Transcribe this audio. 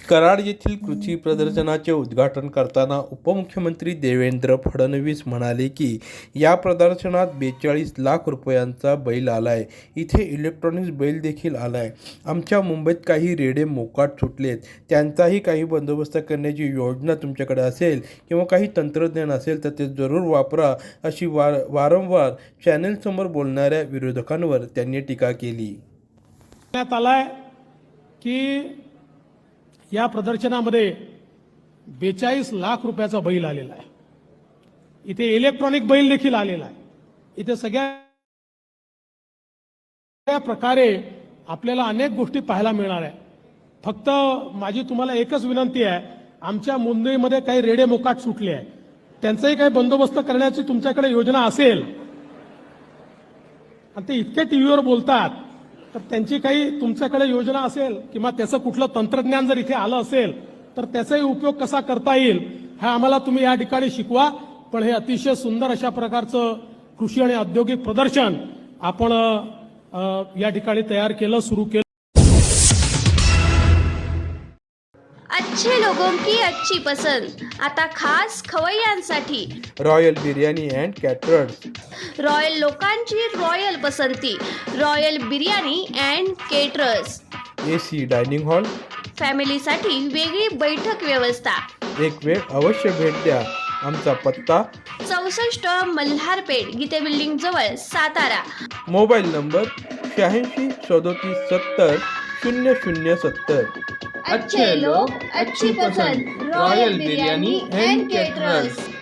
कराड येथील कृषी प्रदर्शनाचे उद्घाटन करताना उपमुख्यमंत्री देवेंद्र फडणवीस म्हणाले की या प्रदर्शनात 42 लाख रुपयांचा बैल आलाय. इथे इलेक्ट्रॉनिक्स बैल देखील आलाय. आमच्या मुंबईत काही रेडे मोकाट सुटलेत, त्यांचाही काही बंदोबस्त करण्याची योजना तुमच्याकडे असेल किंवा काही तंत्रज्ञान असेल तर ते जरूर वापरा, अशी वारंवार चॅनेलसमोर बोलणाऱ्या विरोधकांवर त्यांनी टीका केली. आलाय की या प्रदर्शनामध्ये 42 लाख रुपयाचा बैल आलेला आहे. इथे इलेक्ट्रॉनिक बैल देखील आलेला आहे. इथे सगळ्या प्रकारे आपल्याला अनेक गोष्टी पाहायला मिळणार आहे. फक्त माझी तुम्हाला एकच विनंती आहे, आमच्या मुंबईमध्ये काही रेडे मोकाट सुटले आहे, त्यांचाही काही बंदोबस्त करण्याची तुमच्याकडे योजना असेल आणि ते इतके टीव्हीवर बोलतात, तर त्यांची काही तुमच्याकडे योजना असेल किंवा त्याचं कुठलं तंत्रज्ञान जर इथे आलं असेल तर त्याचाही उपयोग कसा करता येईल हे आम्हाला तुम्ही या ठिकाणी शिकवा. पण हे अतिशय सुंदर अशा प्रकारचं कृषी आणि औद्योगिक प्रदर्शन आपण या ठिकाणी तयार केलं, सुरू केलं. अच्छे लोगों की अच्छी पसंद आता खास खवय्यांसाठी royal biryani and caterers. Royal लोकांची रॉयल पसंती, royal biryani and caterers. AC dining hall. फॅमिलीसाठी वेगळी बैठक व्यवस्था. एक वेळ अवश्य भेट द्या. आमचा पत्ता 64 मल्हारपेठ, गीते बिल्डिंग जवळ, सातारा. Mobile number 86 37 70 0070. अच्छे लोग अच्छी पसंद, रॉयल बिर्याणी अँड केटरर्स.